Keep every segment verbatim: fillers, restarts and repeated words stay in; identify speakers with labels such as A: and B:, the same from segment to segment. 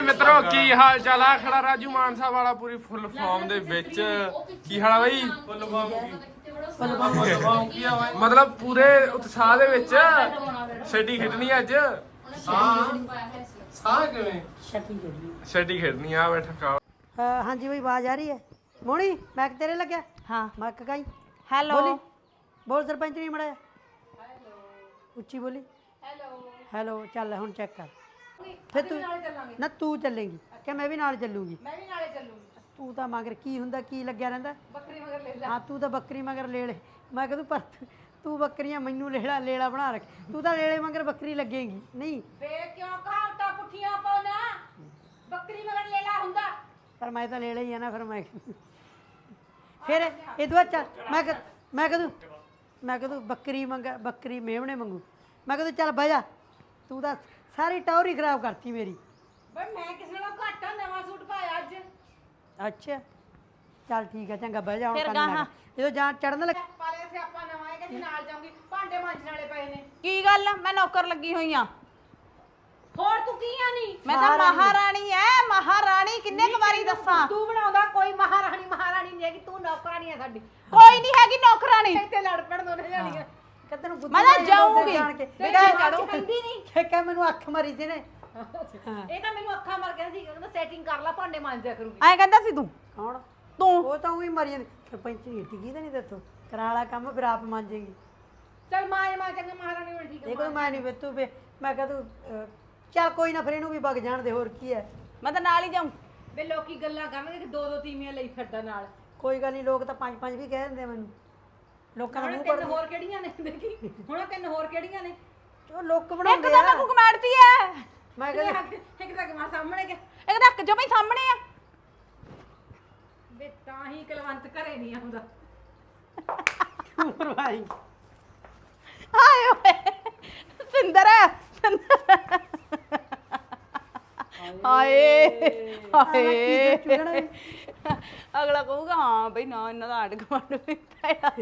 A: ਮਿੱਤਰੋ ਕੀ ਹਾਲ ਚਾਲ ਆ? ਖੜਾ ਰਾਜੂ ਮਾਨਸਾ ਵਾਲਾ ਪੂਰੀ ਫੁੱਲ ਫਾਰਮ ਦੇ ਵਿੱਚ। ਕੀ ਹਾਲ ਆ ਬਾਈ? ਫੁੱਲ ਫਾਰਮ ਕੀ ਆ ਬਾਈ? ਮਤਲਬ ਪੂਰੇ ਉਤਸ਼ਾਹ ਦੇ ਵਿੱਚ ਛੱਡੀ ਖੇਡਣੀ ਅੱਜ। ਸਾਹ ਸਾਹ ਕਿਵੇਂ ਛੱਡੀ ਖੇਡਣੀ ਆ? ਬੈਠਾ ਕਾ
B: हाँ जी भाई आवाज आ रही है मोनी मैक तेरे लग गया हाँ मैक कहीं
C: हेलो
B: बोली बोल सरपंच नहीं मड़ा उच्ची बोली हेलो हेलो चल हुन चेक कर फिर तू ना तू चलेगी क्या मैं भी नाल चलूंगी मैं भी नाले चलूंगी तू तो मगर की हुंदा की लग्या रहिंदा बकरी मगर ले ले हां तू तो बकरी मगर ले ले मैं कहदू पर तू बकरियां मैनू लेड़ा लेड़ा बना रख तू तो लेले मगर बकरी लगेगी नहीं
C: बे क्यों कहावता पुठियां पाना बकरी मगर लेला हुंदा
B: पर मैं तो ले ही है ना फिर मैं फिर ये दुआ चल मैं कह मैं कह दूँ मैं कह दूँ बकरी मंगा बकरी मेवने मंगू मैं कह दूँ चल बह जा तू तो सारी टौर ही खराब करती मेरी
C: बे मैं किस नालों घट नवां सूट पाया अज
B: अच्छा चल ठीक है चंगा बह जा हुण करना जो जान चढ़न लग
C: पाले से आपा नवां है कि नाल जाऊंगी भांडे मांजण वाले पए ने की गल मैं नौकर लगी होई आ ਹੋਰ ਤੂੰ ਕੀ ਆ ਨਹੀਂ ਮੈਂ ਤਾਂ ਮਹਾਰਾਣੀ ਐ ਮਹਾਰਾਣੀ ਕਿੰਨੇ ਕੁ ਵਾਰੀ ਦੱਸਾਂ ਤੂੰ ਬਣਾਉਂਦਾ ਕੋਈ ਮਹਾਰਾਣੀ ਮਹਾਰਾਣੀ ਨਹੀਂ ਹੈਗੀ ਤੂੰ ਨੌਕਰਾਣੀ ਐ ਸਾਡੀ ਕੋਈ ਨਹੀਂ ਹੈਗੀ ਨੌਕਰਾਣੀ ਇੱਥੇ ਲੜ ਪੜ ਦੋਨੇ ਜਾਣੀਆਂ
B: ਕਦੇ ਨੂੰ
C: ਮੈਂ ਤਾਂ ਜਾਊਂਗੀ
B: ਬੇਟਾ ਚੜੋ ਕਹਿੰਦੀ ਨਹੀਂ ਕਿ ਮੈਨੂੰ ਅੱਖ ਮਾਰੀ ਸੀ ਨੇ
C: ਇਹ ਤਾਂ ਮੈਨੂੰ ਅੱਖਾਂ ਮਾਰ ਕਹਿੰਦਾ ਸੀ ਕਹਿੰਦਾ ਸੈਟਿੰਗ ਕਰ ਲੈ ਭਾਂਡੇ ਮਾਂਜਿਆ ਕਰੂਗੀ ਐਂ ਕਹਿੰਦਾ ਸੀ ਤੂੰ
B: ਕੌਣ
C: ਤੂੰ
B: ਉਹ ਤਾਂ ਉਹੀ ਮਰੀ ਜਾਂਦੀ ਸਰਪੰਚ ਨਹੀਂ ਟਿਕੀ ਤਾਂ ਨਹੀਂ ਦੱਸੋ ਕਰਾ ਵਾਲਾ ਕੰਮ ਫਿਰ ਆਪ ਮੰਜੇਗੀ
C: ਚੱਲ ਮਾਂ ਮਾਂ ਚੰਗਾ ਮਹਾਰਾਣੀ ਹੋਣੀ ਠੀਕ ਹੈ
B: ਦੇਖੋ ਮੈਂ ਨਹੀਂ ਵੇ ਤੂੰ ਮੈਂ ਕਹ ਤੂੰ ਚੱਲ ਕੋਈ ਨਾ ਫਿਰ ਇਹਨੂੰ ਵੀ ਵਗ ਜਾਣ ਦੇ ਹੋਰ ਕੀ ਹੈ
C: ਮੈਂ ਤਾਂ ਨਾਲ ਹੀ ਜਾਊਂ ਵੇ ਲੋਕੀ ਗੱਲਾਂ ਕਰਨਗੇ ਕਿ ਦੋ ਦੋ ਤੀਵੀਆਂ ਲਈ ਫਿਰਦਾ ਨਾਲ
B: ਕੋਈ ਗੱਲ ਨਹੀਂ ਲੋਕ ਤਾਂ ਪੰਜ ਪੰਜ ਵੀ ਕਹਿ ਦਿੰਦੇ ਮੈਨੂੰ ਲੋਕਾਂ ਨੂੰ
C: ਤਿੰਨ ਹੋਰ ਕਿਹੜੀਆਂ ਨੇ ਦੇਖੀ ਹੁਣ ਤਿੰਨ ਹੋਰ ਕਿਹੜੀਆਂ ਨੇ
B: ਉਹ ਲੋਕ ਬਣਾਉਂਦੇ
C: ਇੱਕ ਤਾਂ ਮੈਂ ਕੁਕਮਾੜਤੀ ਐ
B: ਮੈਂ ਕਹਿੰਦਾ
C: ਇੱਕ ਤਾਂ ਕਮਾ ਸਾਹਮਣੇ ਕਿ ਇੱਕ ਤਾਂ ਇੱਕ ਜਮੇ ਸਾਹਮਣੇ ਆ ਵੇ ਤਾਂ ਹੀ ਕਲਵੰਤ ਘਰੇ ਨਹੀਂ ਆਉਂਦਾ
B: ਮਰਵਾਈ
C: ਹਾਏ ਓਏ ਸਿੰਦਰ ਹਾਏ ਹਾਏ ਅਗਲਾ ਕਹੂਗਾ ਹਾਂ ਬਈ ਨਾ ਇਹਨਾਂ ਦਾ ਆੜ ਕਮਾਂਡ ਵੀ ਪਾਇਆ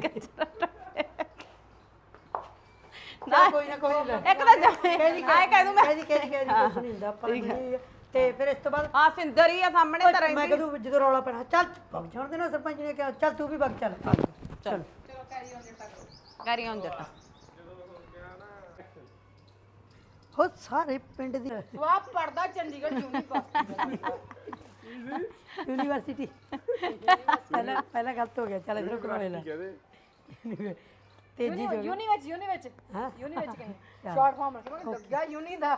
B: ਨਾ ਕੋਈ ਨਾ ਕੋਈ ਨਾ
C: ਇੱਕ ਤਾਂ ਜਾਏ ਆਏ ਕਹਿ ਦੂੰ ਮੈਂ
B: ਕਹਿ ਦੀ ਕਹਿ ਦੀ ਕਹਿ ਦੀ ਕੁਛ ਨਹੀਂ ਹੁੰਦਾ ਆਪਾਂ ਨੂੰ ਤੇ ਫਿਰ ਇਸ ਤੋਂ ਬਾਅਦ
C: ਆ ਸਿੰਦਰ ਹੀ ਆ ਸਾਹਮਣੇ ਤਾਂ ਰਹਿੰਦੀ
B: ਮੈਂ ਕਹਦੂ ਜਦੋਂ ਰੌਲਾ ਪੈਣਾ ਚੱਲ ਵਗ ਜਾਣ ਦੇ ਨਾ ਸਰਪੰਚ ਨੇ ਕਿਹਾ ਚੱਲ ਤੂੰ ਵੀ ਵਗ ਚੱਲ ਚੱਲ
C: ਚਲੋ carry on Jatta carry on Jatta
B: ਹੋ ਸਾਰੇ ਪਿੰਡ ਦੀ
C: ਵਾਹ ਪੜਦਾ ਚੰਡੀਗੜ੍ਹ ਯੂਨੀਵਰਸਿਟੀ
B: ਯੂਨੀਵਰਸਿਟੀ ਪਹਿਲਾਂ ਪਹਿਲਾਂ ਗਲਤ ਹੋ ਗਿਆ ਚੱਲ ਇਧਰੋਂ ਕਰਵਾ ਲੈ ਤੇਜੀ ਜੋ
C: ਯੂਨੀ ਵਿੱਚ ਯੂਨੀ ਵਿੱਚ
B: ਹਾਂ
C: ਯੂਨੀ ਵਿੱਚ ਕਹਿੰਦੇ ਸ਼ਾਰਟ ਫਾਰਮ ਰੱਖੋ ਲੱਗਾ ਯੂਨੀ ਦਾ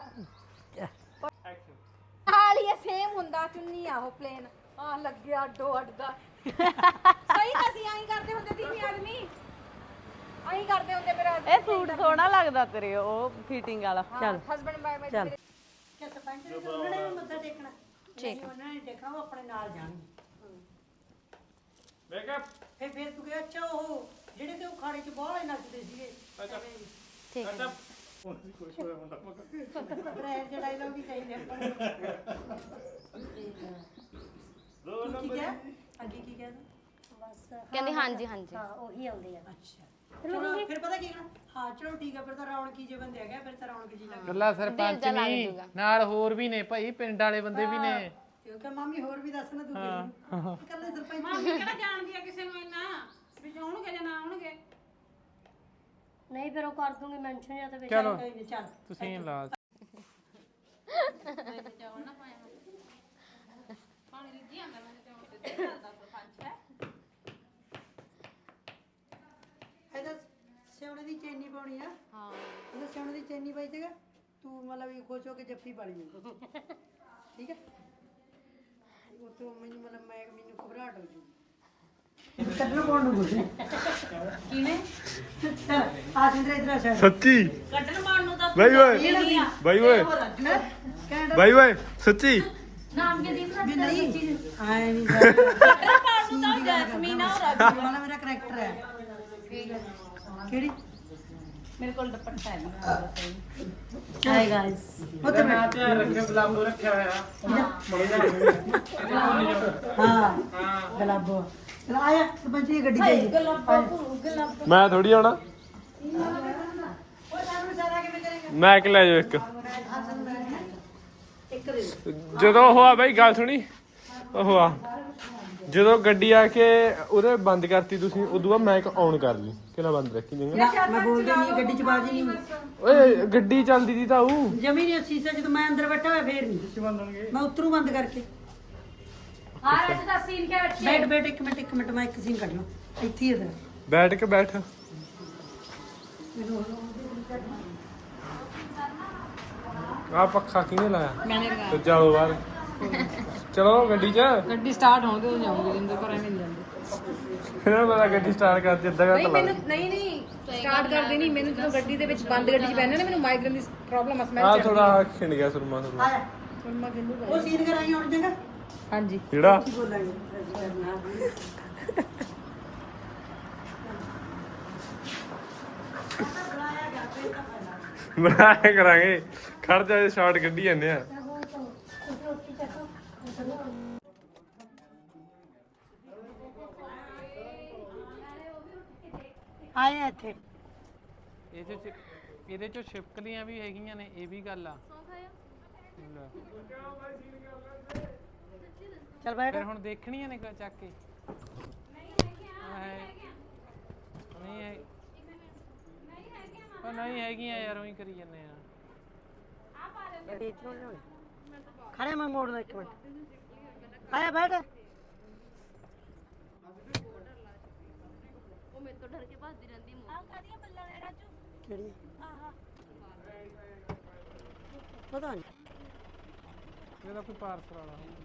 C: ਹਾਲੀ ਇਹ ਸੇਮ ਹੁੰਦਾ ਚੁੰਨੀ ਆ ਉਹ ਪਲੇਨ ਆ ਲੱਗਿਆ ਅੱਡੋ ਅੱਡ ਦਾ ਸਹੀ ਤਾਂ ਅਸੀਂ ਐਂ ਕਰਦੇ ਹੁੰਦੇ ਸੀ ਆਦਮੀ ਐਂ ਕਰਦੇ ਹੁੰਦੇ ਮੇਰਾ ਇਹ ਸੂਟ ਸੋਹਣਾ ਲੱਗਦਾ ਤੇਰੇ ਉਹ ਫਿਟਿੰਗ ਵਾਲਾ
B: ਚੱਲ
C: ਹਸਬੰਡ ਬਾਈ ਬਾਈ
B: ਚੱਲ ਕਿ ਸਰਪੰਚ ਨੇ ਉਹਨਾਂ ਨੇ ਵੀ ਮੱਥਾ ਟੇਕਣਾ ਠੀਕ ਉਹਨਾਂ ਨੇ ਦੇਖਣਾ ਉਹ ਆਪਣੇ ਨਾਲ ਜਾਣਗੇ
A: ਮੈਂ ਕਿਹਾ
B: ਫਿਰ ਫਿਰ ਤੂੰ ਕਿਹਾ ਅੱਛਾ ਉਹ ਜਿਹੜੇ ਤੇ ਉਹ ਖਾੜੇ 'ਚ ਬਾਹਲੇ ਨੱਚਦੇ ਸੀਗੇ
A: ਅੱਛਾ
C: ਠੀਕ ਹੈ
A: ਹੁਣ ਵੀ ਕੁਝ ਹੋਇਆ ਮੁੰਡਾ ਮਗਰ
B: ਬ੍ਰੈਂਡ ਦੇ ਡਾਇਲੌਗ ਵੀ ਚਾਹੀਦੇ ਆਪਾਂ ਦੋ ਨੰਬਰ ਅੱਗੇ ਕੀ ਕਹਿ ਬਸ
D: ਕਹਿੰਦੇ ਹਾਂਜੀ ਹਾਂਜੀ
B: ਹਾਂ ਉਹੀ ਆਉਂਦੇ ਆ ਅੱਛਾ ਚਲੋ ਫਿਰ ਪਤਾ ਕੀ ਕਹਿਣਾ ਹਾਂ ਚਲੋ ਠੀਕ ਆ ਫਿਰ ਤਾਂ ਰੌਣਕੀ ਜੇ ਬੰਦੇ ਹੈਗੇ ਫਿਰ ਤਾਂ ਰੌਣਕ ਜੀ ਲੱਗ
E: ਗੱਲਾਂ ਸਰਪੰਚ ਨਹੀਂ ਨਾਲ ਹੋਰ ਵੀ ਨੇ ਭਾਈ ਪਿੰਡ ਵਾਲੇ ਬੰਦੇ ਵੀ ਨੇ
B: ਕਿਉਂਕਿ ਮਾਮੀ ਹੋਰ ਵੀ ਦੱਸਣਾ ਤੂੰ ਕਿਹਨੂੰ ਇਕੱਲੇ ਸਰਪੰਚ
C: ਮਾਮੀ ਕਿਹੜਾ ਜਾਣਦੀ ਆ ਕਿਸੇ ਨੂੰ ਇੰਨਾ ਵੀ ਆਉਣਗੇ ਜਾਂ ਨਾ ਆਉਣਗੇ
D: ਨਹੀਂ ਫਿਰ ਉਹ ਕਰ ਦੂੰਗੀ ਮੈਂਸ਼ਨ ਜਾਂ ਤਾਂ ਵਿੱਚ
E: ਚਲੋ
B: ਚੱਲ
E: ਤੁਸੀਂ ਲਾ
C: ਪਾਣੀ ਲਿੱਜੀ ਆਂਦਾ ਮੈਂ ਤੇ ਉੱਤੇ ਚੱਲਦਾ ਸਰਪੰਚ ਹੈ
B: ਇਹਦਾ ਸਿਉਣੇ ਦੀ ਚੈਨੀ ਪਾਉਣੀ ਆ
D: ਹਾਂ
B: ਇਹਦਾ ਸਿਉਣੇ ਦੀ ਚੈਨੀ ਪਾਈ ਜੇਗਾ ਤੂੰ ਮਤਲਬ ਵੀ ਖੁਸ਼ ਹੋ ਕੇ ਜੱਫੀ ਪਾ ਲਈ ਠੀਕ ਹੈ ਉਹ ਤੋਂ ਮੈਨੂੰ ਮਤਲਬ ਮੈਂ ਮੈਨੂੰ ਘਬਰਾਹਟ ਹੋ ਜੂਗੀ ਕੱਢਣਾ ਪਾਉਣ ਨੂੰ ਕੁਛ
C: ਕਿਵੇਂ
B: ਆ ਸਿੰਦਰ ਇਧਰ ਆ
A: ਸੱਚੀ
C: ਕੱਢਣ ਮਾਰਨ ਨੂੰ ਤਾਂ
A: ਬਾਈ ਓਏ ਬਾਈ ਓਏ ਬਾਈ ਓਏ ਸੱਚੀ
C: ਨਾਮ ਕੇ ਦੀਪ
B: ਵੀ ਨਹੀਂ ਆਏ ਨਹੀਂ
C: ਕੱਢਣ ਮਾਰਨ ਨੂੰ ਤਾਂ ਜੈਸਮੀਨ ਆ ਔਰ
B: ਵਾਲਾ ਮੇਰਾ ਕਰੈਕਟਰ ਹੈ ਕਿਹੜੀ
C: ਮੇਰੇ ਕੋਲ ਦੁਪੱਟਾ ਹੈ ਨਹੀਂ
B: ਹਾਈ ਗਾਇਸ ਉੱਥੇ
E: ਮੈਂ ਧਿਆਨ ਰੱਖਿਆ ਬਲਾਬੋ ਰੱਖਿਆ ਹੋਇਆ
B: ਹਾਂ ਗਲਾਬੋ ਚਲ ਆਇਆ ਸਰਪੰਚ ਦੀ ਗੱਡੀ ਚਾਹੀਦੀ
A: ਮੈਂ ਥੋੜੀ ਆਉਣਾ
B: ਉਹ ਸਾਨੂੰ ਸਾਰਾ ਕਿਵੇਂ ਕਰੇਗਾ
A: ਮੈਂ ਕਿ ਲੈ ਜਾਓ ਇੱਕ
B: ਇੱਕ ਇੱਕ ਦੇ ਦਿਓ।
A: ਜਦੋਂ ਉਹ ਆ ਬਾਈ ਗੱਲ ਸੁਣੀ ਉਹ ਆ ਜਦੋਂ ਗੱਡੀ ਆ ਕੇ ਉਹਦੇ ਬੰਦ ਕਰਤੀ ਤੁਸੀਂ ਉਦੋਂ ਬਾਅਦ ਮਾਈਕ ਆਨ ਕਰ ਲਈ ਕਿਹਨਾਂ ਬੰਦ ਰੱਖੀ ਜਾਂਗਾ
B: ਨਾ ਮੈਂ ਬੋਲਦੀ ਨਹੀਂ ਗੱਡੀ ਚ ਬਾਜ ਨਹੀਂ
A: ਓਏ ਗੱਡੀ ਚੱਲਦੀ ਦੀ ਤਾਂ ਉਹ
B: ਜਮੀ ਨਹੀਂ ਸੀਸਾ ਜਦੋਂ ਮੈਂ ਅੰਦਰ ਬੈਠਾ ਹੋਇਆ ਫੇਰ ਨਹੀਂ ਮੈਂ ਉਤਰੂ ਬੰਦ ਕਰਕੇ
D: ਆ ਰਾਜੂ ਦਾ ਸੀਨ ਕਿਆ ਬੱਚੇ
B: ਬੈਠ ਬੈਠ ਇੱਕ ਮਿੰਟ ਇੱਕ ਮਿੰਟ ਮੈਂ ਇੱਕ ਸੀਨ ਕੱਢ ਲਾਂ ਇੱਥੇ ਹੀ ਇਧਰ
A: ਬੈਠ ਕੇ ਬੈਠ ਆ ਪੱਖਾ ਕਿਹਨੇ ਲਾਇਆ
C: ਮੈਨੇ ਲਗਾਇਆ
A: ਤੇ ਚਲੋ ਬਾਹਰ ਚਲੋ ਗੱਡੀ 'ਚ
C: ਗੱਡੀ ਸਟਾਰਟ ਹੋਣ ਦਿਓ ਜਾਊਂਗੀ ਜਿੰਦੇ ਘਰ ਐਵੇਂ ਨਹੀਂ ਜਾਂਦੇ
A: ਇਹਨਾਂ ਨੂੰ ਪਤਾ ਗੱਡੀ ਸਟਾਰਟ ਕਰਦੀ ਅੱਧਾ
C: ਨਹੀਂ
A: ਘੰਟਾ
C: ਮੈਨੂੰ ਨਹੀਂ ਨਹੀਂ ਸਟਾਰਟ ਕਰਦੇ ਨਹੀਂ ਮੈਨੂੰ ਜਦੋਂ ਗੱਡੀ ਦੇ ਵਿੱਚ ਬੰਦ ਗੱਡੀ 'ਚ ਬੈਠਣਾ ਨਾ ਮੈਨੂੰ ਮਾਈਗ੍ਰੇਨ ਦੀ ਪ੍ਰੋਬਲਮ ਆ ਸਮੈਲ
A: ਆ
C: ਚੜਦੀ
A: ਥੋੜਾ ਖਿੰਡ ਗਿਆ ਸੁਰਮਾ ਸੁਰਮਾ
B: ਆਇਆ
C: ਹੁਣ ਮੈਂ ਕਿੰਨੂ
B: ਉਹ ਸੀਨ ਕਰਾਈ ਹੁਣ ਚੰਗਾ
C: ਹਾਂਜੀ
A: ਜਿਹੜਾ
B: ਕੀ ਬੋਲਾਂਗੇ
A: ਬਣਾਇਆ ਕਰਾਂਗੇ ਖੜ ਜਾ ਸ਼ਾਰਟ ਕੱਢੀ ਜਾਂਦੇ ਆ
B: ਆਏ ਇੱਥੇ
E: ਇਹਦੇ ਚ ਇਹਦੇ ਚੋਂ ਛਿਪਕਲੀਆਂ ਵੀ ਹੈਗੀਆਂ ਨੇ ਇਹ ਵੀ ਗੱਲ ਆ ਲੈ,
B: ਚੱਲ ਬੈਠ
E: ਫਿਰ ਹੁਣ ਦੇਖਣੀਆਂ ਨੇ ਕ- ਚੱਕ ਕੇ ਹੈ ਨਹੀਂ ਹੈ ਉਹ ਨਹੀਂ ਹੈਗੀਆਂ ਯਾਰ ਉਹੀ ਕਰੀ ਜਾਂਦੇ ਆ
B: ਖੜੇ ਮੈਂ ਮੋੜਦਾ ਇੱਕ ਮਿੰਟ ਆਇਆ ਬੈਠ
D: ਉਹ ਮੇਰੇ ਤੋਂ ਡਰ ਕੇ ਭੱਜਦੀ ਰਹਿੰਦੀ ਮੂੰਹ ਆ ਕਾਦੀਆਂ ਬੱਲਾਂ ਨੇ ਰਾਜੂ
B: ਕਿਹੜੀ ਪਤਾ ਨਹੀਂ
E: ਇਹਦਾ ਕੋਈ ਪਾਰਸਲ ਵਾਲਾ ਹੋਊ।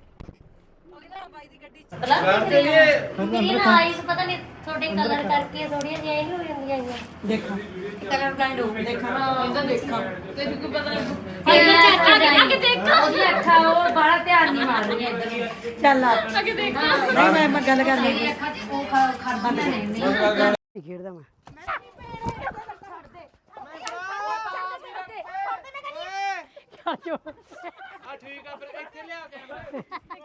D: ਮੇਰੀ ਨਾ ਆਈਸ ਪਤਾ ਨਹੀਂ ਤੁਹਾਡੇ ਕਲਰ ਕਰਕੇ ਥੋੜੀਆਂ ਜਿਹੀਆਂ ਇਹ ਹੋ ਜਾਂਦੀਆਂ ਹੈਗੀਆਂ
B: ਦੇਖਾਂ ਕਲਰ ਬਲਾਈਂਡ ਹੋ ਦੇਖਾਂ
C: ਇਹਦਾ ਦੇਖਾਂ ਤੈਨੂੰ ਕੀ ਪਤਾ ਨਹੀਂ
D: ਅੱਗੇ ਦੇਖੋ ਉਹਦੀ ਅੱਖਾਂ ਉਹ ਬੜਾ ਧਿਆਨ ਨਹੀਂ ਮਾਰ ਰਹੀਆਂ ਇੱਧਰ ਨੂੰ
B: ਚੱਲ ਆ ਨਹੀਂ ਮੈਂ ਮੈਂ ਗੱਲ ਕਰ ਲਈ
D: ਅੱਖਾਂ 'ਚ ਉਹ ਖੜਦਾ ਨਹੀਂ
B: ਖੇਡਦਾ ਮੈਂ
E: ਆ ਠੀਕ ਆ ਫਿਰ ਇੱਥੇ ਲਿਆ ਕੇ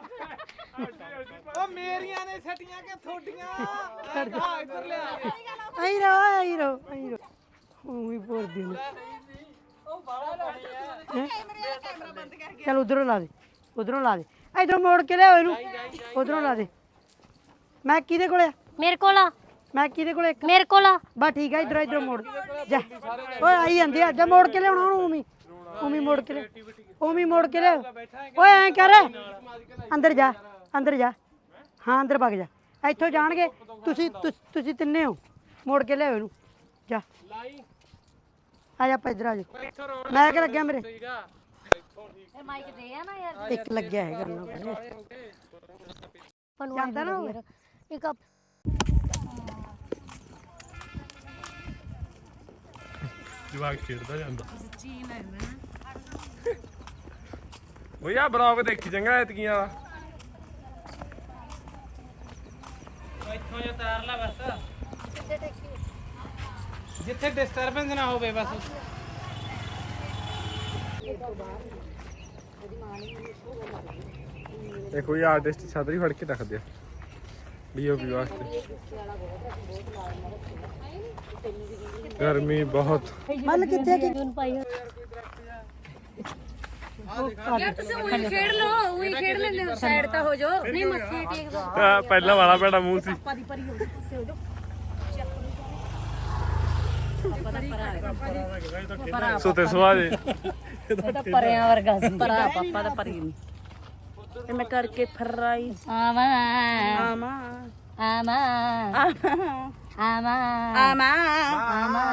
E: ਉਹ ਮੇਰੀਆਂ ਨੇ ਛੱਟੀਆਂ ਕਿ ਥੋਡੀਆਂ ਆ ਇੱਧਰ ਲਿਆ ਕੇ
B: ਆਈ ਰੋ ਆਈ ਰੋ ਆਈ ਰੋ ਉਹ ਵੀ ਬੋਲਦੀ ਨੇ
E: ਉਹ ਬਾਹਲਾ ਲਾਣੀ ਆ
B: ਚੱਲ ਉਧਰੋਂ ਲਾ ਦੇ ਉਧਰੋਂ ਲਾ ਦੇ ਇਧਰੋਂ ਮੋੜ ਕੇ ਲਿਆਓ ਇਹਨੂੰ ਉਧਰੋਂ ਲਾ ਦੇ ਮੈਂ ਕਿਹਦੇ ਕੋਲੇ ਆ
D: ਮੇਰੇ ਕੋਲ ਆ
B: ਮੈਂ ਕਿਹਦੇ ਕੋਲੇ ਇੱਕ
D: ਮੇਰੇ ਕੋਲ ਆ
B: ਬਸ ਠੀਕ ਆ ਇਧਰੋਂ ਇਧਰੋਂ ਮੋੜ ਜਾ ਓਏ ਆਈ ਜਾਂਦੇ ਆ ਜਾ ਮੋੜ ਕੇ ਲਿਆਉਣਾ ਉਹਨੂੰ ਉਮੀ ਉਮੀ ਮੋੜ ਕੇ ਲਿਆ ਉਮੀ ਮੋੜ ਕੇ ਲਿਆ ਓਏ ਐਂ ਕਰ ਅੰਦਰ ਜਾ ਅੰਦਰ ਜਾ ਹਾਂ ਅੰਦਰ ਵਗ ਜਾ ਇੱਥੋਂ ਜਾਣਗੇ ਤੁਸੀਂ ਤੁਸ- ਤੁਸੀਂ ਤਿੰਨੇ ਹੋ ਮੋੜ ਕੇ ਲਿਆਓ ਇਹਨੂੰ ਜਾ ਆ ਜਾ ਆਪਾਂ ਇੱਧਰ ਆ ਜਾ ਮੈਂ ਕਿ ਲੱਗਿਆ ਮੇਰੇ
D: ਇਹ ਮਾਈਕ ਦੇ ਆ ਨਾ ਯਾਰ
B: ਇੱਕ ਲੱਗਿਆ ਹੈ ਕਰਨਾ ਜਾਂਦਾ ਨਾ ਹੋਵੇ
D: ਇੱਕ
A: ਜਵਾਕ ਖੇਡਦਾ ਜਾਂਦਾ ਉਹ ਯਾ ਬਲੌਗ ਦੇਖੀ ਚੰਗਾ ਐਤਕੀਆਂ ਵਾਲਾ
E: ਇੱਥੋਂ ਜਾਂ ਤਾਰ ਲਾ ਬਸ ਜਿੱਥੇ ਡਿਸਟਰਬੈਂਸ ਨਾ ਹੋਵੇ ਬਸ
A: ਇਹ ਕੋਈ ਆਰਟਿਸਟ ਛਤਰੀ ਫੜ ਕੇ ਰੱਖਦੇ ਆ ਡੀਓਪੀ ਵਾਸਤੇ ਗਰਮੀ ਬਹੁਤ
B: ਮਨ ਕਿੱਥੇ ਕਿ
D: ਯਾਰ ਤੁਸੀਂ ਉਹੀ ਖੇਡ ਲਓ ਉਹੀ ਖੇਡ ਲੈਂਦੇ ਹੋ ਸਾਈਡ ਤਾਂ ਹੋ ਜਾਓ ਨਹੀਂ ਮੱਥੇ ਟੇਕ ਦੋ
A: ਆਹ ਪਹਿਲਾਂ ਵਾਲਾ ਭੈੜਾ ਮੂੰਹ ਸੀ ਸੁਤੇ ਸਵਾਜੇ
C: ਇਹਦਾ ਪਰਿਆਂ ਵਰਗਾ ਸੀ ਪਰਾ ਪਾਪਾ ਦਾ ਪਰੀ ਨਹੀਂ ਤੇ ਮੈਂ ਕਰਕੇ ਫਰਾਈ
D: ਆਵਾ
C: ਆਮਾ
D: ਆਮਾ ਆਮਾ
C: ਆਮਾ
D: ਆਮਾ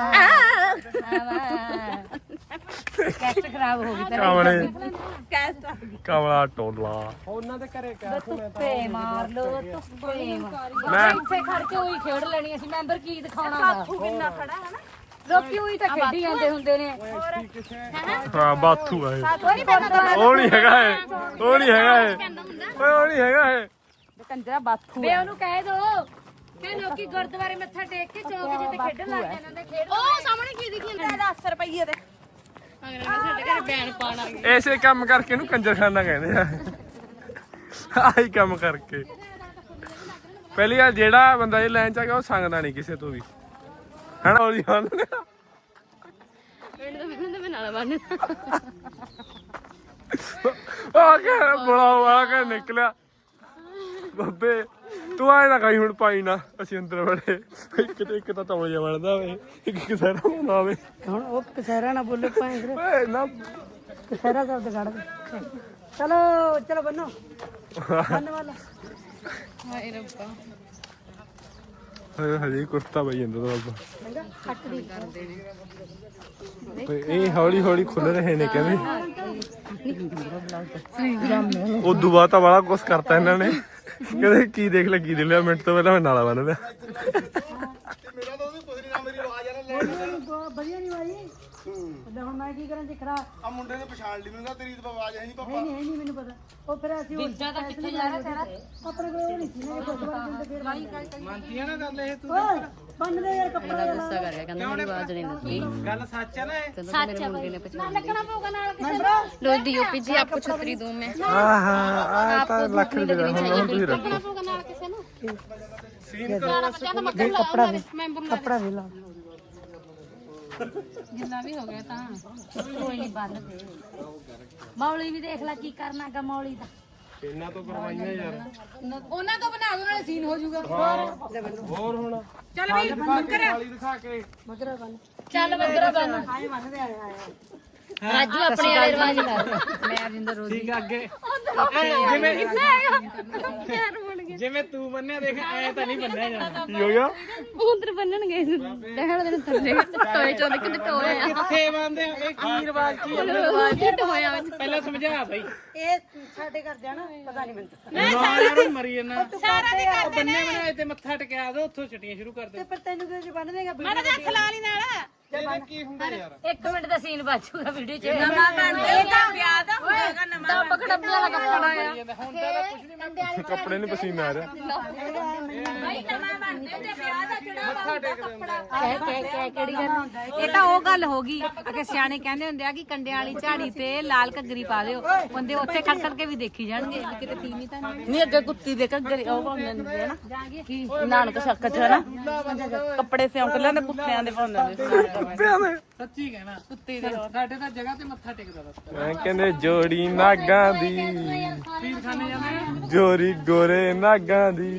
D: ਕੈਸਟ ਖਰਾਬ ਹੋ ਗਈ
A: ਕਾਮਲੇ
C: ਕੈਸਟਾ
A: ਕਾਮਲਾ ਟੋਲਾ
E: ਉਹਨਾਂ ਦੇ ਘਰੇ
D: ਧੁੱਪੇ ਮਾਰ ਲੋ ਧੁੱਪੇ ਮਾਰ
A: ਮੈਂ
D: ਇੱਥੇ ਖੜ ਕੇ ਉਹੀ ਖੇਡ ਲੈਣੀ ਅਸੀਂ ਮੈਂਬਰ ਕੀ ਦਿਖਾਉਣਾ ਵਾ
C: ਕਿੰਨਾ ਖੜਾ ਹੈ ਨਾ
D: ਲੋਕੀ ਉਹੀ ਤਾਂ ਖੇਡੀ ਜਾਂਦੇ ਹੁੰਦੇ ਨੇ
A: ਹਾਂ ਬਾਥੂ ਆ ਇਹ
D: ਕੋਈ ਨਹੀਂ ਪਤਾ
A: ਉਹ ਨਹੀਂ ਹੈਗਾ ਇਹ ਉਹ ਨਹੀਂ ਹੈਗਾ ਇਹ ਓਏ ਉਹ ਨਹੀਂ ਹੈਗਾ ਇਹ
C: ਕੰਜਰਾ ਬਾਥੂ
D: ਵੇ ਉਹਨੂੰ ਕਹਿ ਦੋ ਕਿ ਲੋਕੀ ਗੁਰਦੁਆਰੇ ਮੱਥਾ ਟੇਕ ਕੇ ਚੌਕ ਜਿੱਤੇ ਖੇਡਣ ਲੱਗ ਜਾਂਦੇ ਨੇ ਖੇਡ
C: ਉਹ ਸਾਹਮਣੇ ਕੀ ਦਿਖੀ ਜਾਂਦਾ ਦਸ ਰੁਪਏ ਦੇ
D: ਸਾਡੇ ਘਰੇ ਬੈਣ ਪਾਣ ਆ ਗਏ
A: ਐਸੇ ਕੰਮ ਕਰਕੇ ਇਹਨੂੰ ਕੰਜਰਖਾਨਾ ਕਹਿੰਦੇ ਆ ਆਹੀ ਕੰਮ ਕਰਕੇ ਪਹਿਲੀ ਗੱਲ ਜਿਹੜਾ ਬੰਦਾ ਇਹ ਲਾਈਨ ਚ ਆ ਗਿਆ ਉਹ ਸੰਗਦਾ ਨਹੀਂ ਕਿਸੇ ਤੋਂ ਵੀ ਹਨਾ ਉਹਦੀ ਹਣ
D: ਪਿੰਡ ਤੋਂ ਮੈਨੂੰ ਤਾਂ ਮੈਂ ਨਾਲ ਬੰਨ
A: ਆ ਕੇ ਬੜਾ ਆ ਕੇ ਨਿਕਲਿਆ ਬੱਬੇ ਤੂੰ ਆਏ ਨਾ ਕਹੀਂ ਹੁਣ ਪਾਈ ਨਾ ਅਸੀਂ ਅੰਦਰ ਬੜੇ ਇੱਕ ਤੇ ਇੱਕ ਤਾਂ ਤੌਲੀਆ ਬਣਦਾ ਵੇ ਇੱਕ ਕਿਸਰਾ ਹੁੰਦਾ ਵੇ
B: ਹੁਣ ਉਹ ਕਸਹਿਰਾ ਨਾ ਬੋਲੇ ਭਾਂਜ
A: ਓਏ ਨਾ
B: ਕਸਹਿਰਾ ਸ਼ਬਦ ਕੱਢ ਦੇ ਚਲੋ ਚਲੋ ਬੰਨੋ ਬੰਨ ਵਾਲਾ
C: ਹਾਏ ਰੱਬਾ
A: ਹਜੇ ਹਜੇ ਕੁਰਤਾ ਪਈ ਜਾਂਦਾ ਬਾਬਾ
B: ਚੰਗਾ ਕੱਟ ਦੀ
A: ਤੇ ਇਹ ਹੌਲੀ ਹੌਲੀ ਖੁੱਲ ਰਹੇ ਨੇ ਕਹਿੰਦੇ ਉਦੋਂ ਬਾਅਦ ਤਾਂ ਬੜਾ ਕੁਛ ਕਰਤਾ ਇਹਨਾਂ ਨੇ ਕਹਿੰਦੇ ਕੀ ਦੇਖ ਲੈ ਕੀ ਦੇ ਲਿਆ ਮਿੰਟ ਤੋਂ ਪਹਿਲਾਂ ਮੈਂ ਨਾਲਾ ਬੰਨ ਲਿਆ
F: ਮੇਰਾ ਤਾਂ ਉਹਦੀ ਪੁੱਛਣੀ ਨਾ ਮੇਰੀ ਆਵਾਜ਼ ਆ ਨਾ ਲੈ
B: ਵਧੀਆ ਨਹੀਂ ਵਾਈ ਤੇ ਹੁਣ ਮੈਂ ਕੀ ਕਰਾਂ ਜੇ ਖਰਾ
F: ਆ ਮੁੰਡੇ ਨੇ ਪਛਾਣ ਲਈ ਮੈਨੂੰ ਤੇਰੀ ਤਾਂ ਆਵਾਜ਼ ਹੈ ਨਹੀਂ ਪਾਪਾ
B: ਨਹੀਂ ਨਹੀਂ ਮੈਨੂੰ ਪਤਾ ਉਹ ਫਿਰ ਅਸੀਂ ਬਿੱਜਾ ਤਾਂ ਕਿੱਥੇ ਜਾ ਰਿਹਾ ਤੇਰਾ ਆਪਣੇ ਕੋਲ ਨਹੀਂ ਸੀ ਨਾ ਇਹ ਗੁਰਦੁਆਰੇ ਜਿੰਦੇ ਫੇਰ ਵਾਈ
E: ਮੰਨਦੀ ਆ ਨਾ ਗੱਲ ਇਹ ਤੂੰ
B: ਓਏ ਬੰਨ ਦੇ ਯਾਰ ਕੱਪੜਾ
G: ਗੁੱਸਾ ਕਰ ਗਿਆ ਕਹਿੰਦਾ ਮੇਰੀ ਆਵਾਜ਼ ਨਹੀਂ ਦਿੱਤੀ
E: ਗੱਲ ਸੱਚ ਆ ਨਾ ਇਹ
G: ਕਹਿੰਦਾ ਮੇਰੇ ਮੁੰਡੇ ਨੇ ਪਛਾਣ ਲਈ
C: ਲੱਗਣਾ ਪਊਗਾ ਨਾਲ
G: रोज डी ओपी जी आपको छतरी दूं मैं
A: ਆਹਾ ਆ ਤਾਂ ਲੱਖ ਰੁਪਏ ਦਾ ਹੁਣ ਹੁਣ ਤੁਸੀਂ ਰੱਖੋ
C: ਪਊਗਾ ਨਾਲ ਕਿਸੇ ਨੂੰ
B: ਦੇ ਕੱਪੜਾ ਦੇ ਕੱਪੜਾ ਦੇ ਲਾ
C: ਜਿੰਨਾ ਵੀ ਹੋ ਗਿਆ ਤਾਂ
D: ਕੋਈ ਨਹੀਂ ਬੰਨ ਦੇ ਮੌਲੀ ਵੀ ਦੇਖ ਲੈ ਕੀ ਕਰਨਾ ਗਾ ਮੌਲੀ ਦਾ
A: ਇਹਨਾਂ ਤੋਂ ਕਰਵਾਈਆਂ ਯਾਰ
C: ਉਹਨਾਂ ਤੋਂ ਬਣਾ ਦੋ ਨਾਲੇ ਸੀਨ ਹੋ ਜਾਊਗਾ
A: ਹੋਰ ਹੁਣ
C: ਚੱਲ ਵੀ ਮੱਕਰ
A: ਵਾਲੀ ਦਿਖਾ ਕੇ
B: ਮਗਰਾ ਬੰਨ
D: ਚੱਲ ਬੱਦਰਾ ਬੰਨ
B: ਆਏ ਬੰਨਦੇ ਆਏ ਆਏ
D: ਰਾਜੂ ਆਪਣੇ ਵਾਲੇ ਰਵਾਜ ਕਰ
G: मैं अरविंदर रोज
E: ਠੀਕ ਆ ਅੱਗੇ ਜਿਵੇਂ ਜਿਵੇਂ ਤੂੰ ਬੰਨਿਆ ਦੇਖ ਐ ਤਾਂ ਨਹੀਂ ਬੰਨਿਆ ਜਾਣਾ
A: ਕੀ ਹੋ ਗਿਆ
G: उधर बनन गए दहड़ दिन थल्ले टोए चों निकल टोए
E: ਕਿੱਥੇ ਬੰਨਦੇ ਆ ਇਹ ਕੀ ਰਿਵਾਜ ਕੀ ਆ
G: टोया
E: ਪਹਿਲਾਂ ਸਮਝਾ ਬਈ
B: ਇਹ ਸਾਡੇ ਘਰ ਜਾਣਾ ਪਤਾ ਨਹੀਂ ਮੈਨੂੰ
E: ਨਾ ਯਾਰ ਮਰੀ ਜਨਾ ਸਾਰਾ ਦੇ ਕਰ ਬੰਨੇ ਬਣਾਏ ਤੇ ਮੱਥਾ ਟਕਿਆ ਦੋ ਉੱਥੋਂ ਛਟੀਆਂ ਸ਼ੁਰੂ ਕਰ ਦੇ
B: ਪਰ ਤੈਨੂੰ ਕਿਉਂ ਜੇ ਬੰਨ ਦੇਗਾ
C: ਮੈਂ ਤਾਂ ਖਲਾ ਲਈ ਨਾਲ
E: ਇਹਦਾ ਕੀ ਹੁੰਦਾ ਯਾਰ
D: ਇੱਕ ਮਿੰਟ ਦਾ ਸੀਨ ਬਾਜੂਗਾ ਵੀਡੀਓ ਚ
C: ਨਵਾਂ ਬਣਦੇ ਇਹ ਤਾਂ ਵਿਆਹ ਦਾ ਹੋਏਗਾ ਨਵਾਂ
D: ਦੱਬ ਖੜੱਬੇ ਵਾਲਾ ਕੱਪੜਾ ਆ
E: ਹੁਣ ਤਾਂ ਕੁਝ ਨਹੀਂ
A: ਕੱਪੜੇ ਨੂੰ ਪਸੀਨਾ ਆ ਰਿਹਾ
C: ਭਾਈ ਨਵਾਂ ਬਣਦੇ ਤੇ ਵਿਆਹ ਦਾ ਜਿਹੜਾ ਹੁੰਦਾ ਕੱਪੜਾ
D: ਕਹਿ ਕਹਿ ਕਹਿ ਕਿਹੜੀ ਗੱਲ
C: ਇਹ ਤਾਂ ਉਹ ਗੱਲ ਹੋ ਗਈ ਅਗੇ ਸਿਆਣੇ ਕਹਿੰਦੇ ਹੁੰਦੇ ਆ ਕਿ ਕੰਡਿਆਂ ਵਾਲੀ ਝਾੜੀ ਤੇ ਲਾਲ ਘੱਗਰੀ ਪਾ ਦਿਓ ਬੰਦੇ ਉੱਥੇ ਖੜ ਖੜ ਕੇ ਵੀ ਦੇਖੀ ਜਾਣਗੇ ਕਿਤੇ ਤੀਵੀਂ ਤਾਂ ਨਹੀਂ
G: नहीं अगे कुत्ती दे घग्गरे ओ पाਉਂਦੇ ਨੇ ਨਾ ਕੀ ਨਾਨਕ ਸ਼ੱਕ ਚ ਨਾ ਕੱਪੜੇ ਸਿਉਂਕ ਲੈਂਦੇ ਕੁੱਤਿਆਂ ਦੇ ਪਾਉਂਦੇ ਨੇ
E: ਸੱਚੀ ਕਹਿਣਾ ਕੁੱਤੇ ਦੇ ਸਾਡੇ ਤਾਂ ਜਗ੍ਹਾ ਤੇ ਮੱਥਾ ਟੇਕਦਾ ਬਸ
A: ਮੈਂ ਕਹਿੰਦੇ ਜੋੜੀ ਨਾਗਾਂ ਦੀ
E: ਪੀਰ ਖਾਨੇ ਜਾਂਦੇ
A: ਜੋਰੀ ਗੋਰੇ ਨਾਗਾਂ ਦੀ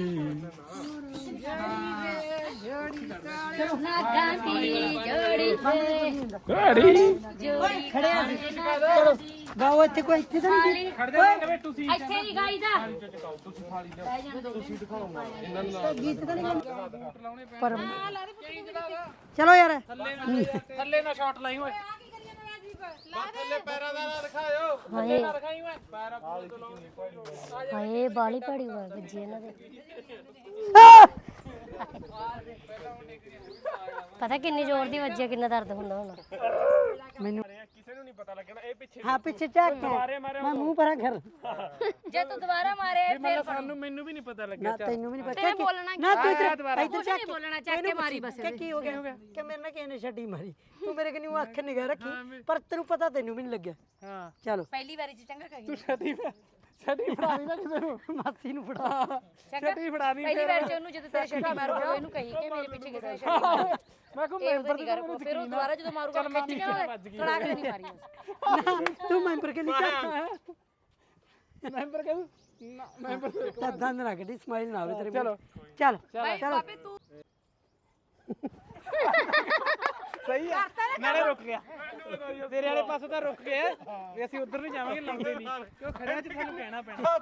D: ਨਾਗਾਂ ਦੀ ਜੋੜੀ ਤੇ
A: ਗਾੜੀ
D: ਜੋੜੀ
B: ਖੜਿਆ ਸੀ ਚਲੋ ਗਾਓ ਇੱਥੇ ਕੋਈ ਇੱਥੇ ਤਾਂ ਨਹੀਂ
E: ਖੜਦੇ ਨੇ ਵੇ ਤੁਸੀਂ
D: ਇੱਥੇ ਨਹੀਂ ਗਾਈਦਾ
B: ਗੀਤ ਤਾਂ ਨਹੀਂ ਪਰ ਚਲੋ ਯਾਰ
E: ਥੱਲੇ ਨਾ ਸ਼ਾਟ ਲਾਈ ਓਏ ਥੱਲੇ ਪੈਰਾਂ ਦਾ ਨਾ ਦਿਖਾਇਓ ਥੱਲੇ ਨਾ ਦਿਖਾਈ ਓਏ ਪੈਰਾਂ ਤੋਂ ਲਾਉਣੀ
D: ਹਾਏ ਬਾਲੀ ਪੜੀ ਹੋਈ ਵੱਜੀ ਇਹਨਾਂ ਦੇ ਪਤਾ ਕਿੰਨੀ ਜ਼ੋਰ ਦੀ ਵੱਜੀ ਕਿੰਨਾ ਦਰਦ ਹੁੰਦਾ ਹੁਣ
B: ਮੈਨੂੰ
A: ਕਿਸੇ ਨੂੰ ਨਹੀਂ ਪਤਾ ਲੱਗਣਾ ਇਹ ਪਿੱਛੇ
B: ਹਾਂ ਪਿੱਛੇ ਝਾਕ ਮੈਂ ਮੂੰਹ ਪਰਾਂ ਕਰ
D: ਜੇ ਤੂੰ ਦੁਬਾਰਾ ਮਾਰੇ
E: ਮਤਲਬ ਸਾਨੂੰ ਮੈਨੂੰ ਵੀ ਨਹੀਂ ਪਤਾ ਲੱਗਿਆ
B: ਨਾ ਤੈਨੂੰ ਵੀ ਨਹੀਂ ਪਤਾ ਨਾ ਤੂੰ ਇੱਧਰ ਇੱਧਰ ਝਾਕ
D: ਬੋਲਣਾ ਚੱਕ ਕੇ ਮਾਰੀ ਬਸ
B: ਕਿ ਕੀ ਹੋ ਗਿਆ ਕਿ ਮੇਰੇ ਨਾਲ ਕਿਸੇ ਨੇ ਛੱਡੀ ਮਾਰੀ ਤੂੰ ਮੇਰੇ ਕਨੀ ਅੱਖ ਨਿਗਾਹ ਰੱਖੀ ਪਰ ਤੈਨੂੰ ਪਤਾ ਤੈਨੂੰ ਵੀ ਨਹੀਂ ਲੱਗਿਆ
E: ਹਾਂ
B: ਚਲੋ
D: ਪਹਿਲੀ ਵਾਰੀ ਚ ਚੰਗਾ ਖਾਈ
E: ਤੂੰ ਛੱਡੀ ਛੱਡੀ ਫੜਾ ਦੀ ਨਾ ਕਿਸੇ ਨੂੰ
B: ਮਾਸੀ ਨੂੰ ਫੜਾ
E: ਛੱਡੀ ਫੜਾ ਦੀ
D: ਪਹਿਲੀ ਵਾਰ ਚ ਉਹਨੂੰ ਜਦੋਂ ਤੇਰੇ ਛੱਡੀ ਮਾਰੂਗਾ ਇਹਨੂੰ ਕਹੀ ਕਿ ਮੇਰੇ ਪਿੱਛੇ ਕਿਸੇ ਨੇ ਛੱਡੀ
E: ਮੈਂ ਕੋ
D: ਇਹ ਉਹਦੇ ਨਹੀਂ ਕਰ ਫਿਰ ਉਹ ਦੁਬਾਰਾ ਜਦੋਂ ਮਾਰੂਗਾ ਖਿੱਚ ਕੇ ਖੜਾ ਕੇ ਨਹੀਂ ਮਾਰੀ ਬਸ
B: ਤੂੰ ਮੈਂਬਰ ਕੇ ਨਹੀਂ ਝਾਕ
E: ਮੈਂਬਰ ਕਹਿੰਦਾ ਨਾ ਮੈਂਬਰ
B: ਤਾਂ ਦੰਦ ਨਾ ਕੱਢੀ ਸਮਾਈਲ ਨਾ ਆਵੇ ਤੇਰੇ ਚਲੋ ਚੱਲ ਚਲੋ
E: ਸਹੀ ਆ ਨਾਲੇ ਰੁਕ ਗਿਆ ਤੇਰੇ ਵਾਲੇ ਪਾਸੋਂ ਤਾਂ ਰੁਕ ਗਿਆ ਵੀ ਅਸੀਂ ਉਧਰ ਨਹੀਂ ਜਾਵਾਂਗੇ ਲਾਉਂਦੇ ਨਹੀਂ ਕਿਉਂ ਖੜਿਆ ਚ ਤੁਹਾਨੂੰ ਕਹਿਣਾ ਪੈਣਾ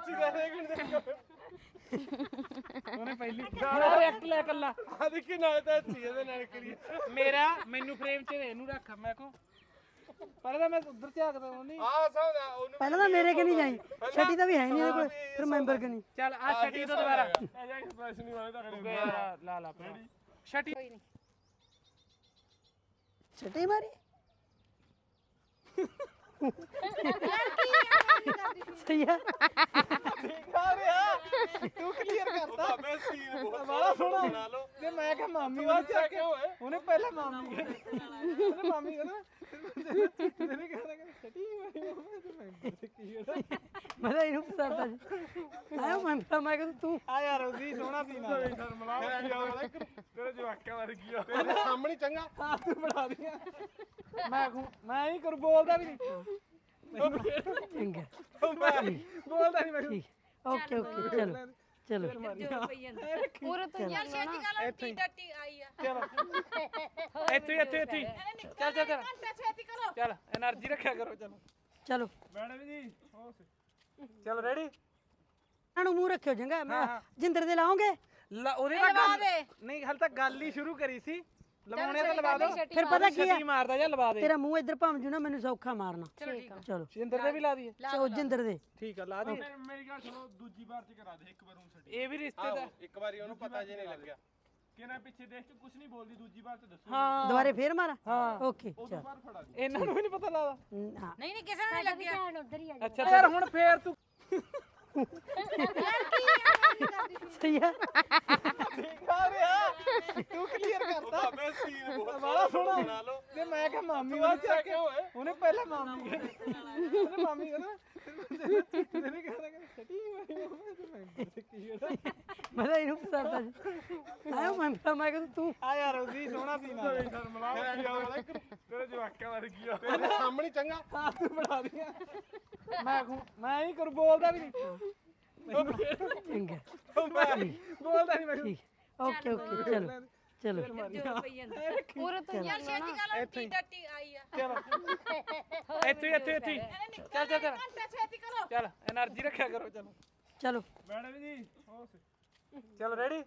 E: ਉਹਨੇ ਪਹਿਲੀ ਰਿਐਕਟ ਲੈ ਕੱਲਾ ਆ ਦੇਖੀ ਨਾਲੇ ਤਾਂ ਅੱਛੀ ਇਹਦੇ ਨਾਲ ਕਰੀ ਮੇਰਾ ਮੈਨੂੰ ਫਰੇਮ 'ਚ ਇਹਨੂੰ ਰੱਖ ਮੈਂ ਕੋ ਪਹਿਲਾਂ ਤਾਂ ਮੈਂ ਉਧਰ ਝਾਕਦਾ ਉਹਨੀ ਆ ਸਾਹਦਾ ਉਹਨੂੰ
B: ਪਹਿਲਾਂ ਤਾਂ ਮੇਰੇ ਕੇ ਨਹੀਂ ਜਾਈ ਛੱਡੀ ਤਾਂ ਵੀ ਹੈ ਨਹੀਂ ਇਹਦੇ ਕੋਲ ਫਿਰ ਮੈਂਬਰ ਕੇ ਨਹੀਂ
E: ਚੱਲ ਆ ਛੱਟੀ ਤੋਂ ਦੁਬਾਰਾ ਐਕਸਪ੍ਰੈਸ਼ਨ ਵਾਲੇ ਤਾਂ ਖੜੇ ਲਾ ਲਾ ਛੱਟੀ
B: ਛੱਡੀ ਮਾਰੀ ਸਹੀ ਆ
E: ਤੂੰ ਕਲੀਅਰ ਕਰਤਾ ਮੈਂ ਸੀਨ ਬੜਾ ਸੋਹਣਾ ਬਣਾ ਲਓ ਤੇ ਮੈਂ ਕਿਹਾ ਮਾਮੀ ਵਾਂ ਚੱਕ ਉਹਨੇ ਪਹਿਲਾਂ ਮਾਮੀ ਉਹਨੇ ਮਾਮੀ ਕਹਿੰਦਾ ਤੇਰੇ ਕਹਿੰਦਾ ਕਿ ਛੱਟੀ
B: ਮੈਂ ਤਾਂ ਇਹਨੂੰ ਪਸੰਦ ਸੀ ਆਇਆ ਮੈਂ ਮੈਂ ਕਿਹਾ ਤੂੰ
E: ਆ ਯਾਰ ਉਹਦੀ ਸੋਹਣਾ ਸੀ ਨਾ ਤੇਰੇ ਜਵਾਕਾਂ ਵਾਰ ਕੀ ਆ ਤੇਰੇ ਸਾਹਮਣੇ ਚੰਗਾ ਹਾਂ ਤੂੰ ਬਣਾ ਦੀਆਂ ਮੈਂ ਮੈਂ ਹੀ ਕਰ ਬੋਲਦਾ ਵੀ ਨਹੀਂ
B: ਚੰਗਾ
E: ਬੋਲਦਾ ਨਹੀਂ ਮੈਂ
B: ਠੀਕ ਓਕੇ ਓਕੇ ਚਲੋ ਚਲੋ
C: ਪੂਰੇ ਤੋਂ ਯਾਰ ਛੇਤੀ ਕਰ ਲਓ ਟੀ ਟੱਟੀ ਆਈ ਆ
E: ਚਲੋ ਇੱਥੇ ਇੱਥੇ ਇੱਥੇ ਚੱਲ ਚੱਲ ਚੱਲ
C: ਛੇਤੀ ਕਰੋ
E: ਚੱਲ એનર્ਜੀ ਰੱਖਿਆ ਕਰੋ ਚਲੋ
B: ਚਲੋ
E: ਮੈਡਮ ਜੀ ਚਲੋ ਰੈਡੀ
B: ਇਹਨਾਂ ਨੂੰ ਮੂੰਹ ਰੱਖਿਓ ਚੰਗਾ ਮੈਂ ਜਿੰਦਰ ਦੇ ਲਾਉਂਗੇ
E: ਉਹਦੇ ਨਾਲ ਗੱਲ ਨਹੀਂ ਹਾਲੇ ਤੱਕ ਗੱਲ ਹੀ ਸ਼ੁਰੂ ਕਰੀ ਸੀ ਲਵਾਉਣੇ ਤਾਂ ਲਵਾ ਦੋ
B: ਫਿਰ ਪਤਾ ਕੀ ਹੈ
E: ਮਾਰਦਾ ਜਾਂ ਲਵਾ ਦੇ
B: ਤੇਰਾ ਮੂੰਹ ਇੱਧਰ ਭੰਮ ਜੂ ਨਾ ਮੈਨੂੰ ਸੌਖਾ ਮਾਰਨਾ ਚਲੋ
E: ਜਿੰਦਰ ਦੇ ਵੀ ਲਾ ਦਈਏ
B: ਚਲੋ ਜਿੰਦਰ ਦੇ
E: ਠੀਕ ਆ ਲਾ ਦਈਏ
A: ਮੇਰੀ ਗੱਲ ਸੁਣੋ ਦੂਜੀ ਵਾਰ ਚ ਕਰਾ ਦੇ ਇੱਕ ਵਾਰ ਹੁਣ
E: ਇਹ ਵੀ ਰਿਸ਼ਤੇ ਦਾ
F: ਇੱਕ ਵਾਰੀ ਉਹਨੂੰ ਪਤਾ ਜੇ ਨਹੀਂ ਲੱਗਿਆ
A: ਕਿਹਨਾਂ ਪਿੱਛੇ ਦੇਖ ਕੇ ਕੁਝ ਨਹੀਂ ਬੋਲਦੀ ਦੂਜੀ ਵਾਰ ਤੇ ਦੱਸੋ
E: ਹਾਂ
B: ਦੁਬਾਰੇ ਫੇਰ ਮਾਰਾਂ
E: ਹਾਂ
B: ਓਕੇ ਚਲ
A: ਵਾਰ ਫੜਾ ਦੇ
E: ਇਹਨਾਂ ਨੂੰ ਵੀ ਨਹੀਂ ਪਤਾ ਲੱਗਦਾ
B: ਹਾਂ
C: ਨਹੀਂ ਨਹੀਂ ਕਿਸੇ ਨੂੰ ਨਹੀਂ ਲੱਗਿਆ
D: ਧਿਆਨ ਉਧਰ ਹੀ ਆ
E: ਅੱਛਾ ਯਾਰ ਹੁਣ ਫੇਰ ਤੂੰ
B: ਸਹੀ ਹੈ
E: ਆ ਰਿਹਾ ਤੂੰ ਕਲੀਅਰ ਕਰਤਾ
F: ਮੈਂ ਸੀਨ
E: ਬੜਾ ਸੋਹਣਾ ਬਣਾ ਲਓ ਤੇ ਮੈਂ ਕਿਹਾ ਮਾਮੀ ਉਹ ਚੱਕ ਉਹਨੇ ਪਹਿਲਾਂ ਮਾਮੀ ਕਹਿੰਦੀ ਉਹਨੇ ਮਾਮੀ ਕਹਿੰਦਾ ਤੇਨੇ ਕਹਿੰਦਾ ਕਿ ਛੱਟੀ
B: ਮੈਂ ਤਾਂ ਇਹਨੂੰ ਪਸੰਦ ਸੀ ਆਇਆ ਮੈਂ ਤਾਂ ਮੈਂ ਕਿਹਾ ਤੂੰ
E: ਆ ਯਾਰ ਉਹਦੀ ਸੋਹਣਾ ਸੀਨਾ
A: ਤੇਰੇ ਜਵਾਕਾਂ ਵਰਗੀ ਆ
F: ਤੇਰੇ ਸਾਹਮਣੇ ਚੰਗਾ
E: ਆ ਤੂੰ ਬਣਾ ਦਿਆ ਮੈਂ ਕਹੂੰ ਮੈਂ ਨਹੀਂ ਕਰ ਬੋਲਦਾ ਵੀ ਨਹੀਂ
B: ਚੰਗਾ
E: ਬੋਲਦਾ ਨਹੀਂ ਮੈਂ
B: ਠੀਕ ਓਕੇ ਓਕੇ ਚਲੋ ਚਲੋ
C: ਪੂਰੇ ਤੋਂ ਯਾਰ ਛੇਤੀ ਕਰ ਲਓ ਟੀ ਟੱਟੀ ਆਈ ਆ
E: ਚਲੋ ਇੱਥੇ ਇੱਥੇ ਇੱਥੇ ਚੱਲ ਚੱਲ ਚੱਲ
C: ਛੇਤੀ ਕਰੋ
E: ਚੱਲ એનર્ਜੀ ਰੱਖਿਆ ਕਰੋ ਚਲੋ
B: ਚਲੋ
A: ਮੈਡਮ ਜੀ
E: ਚਲ ਰੈਡੀ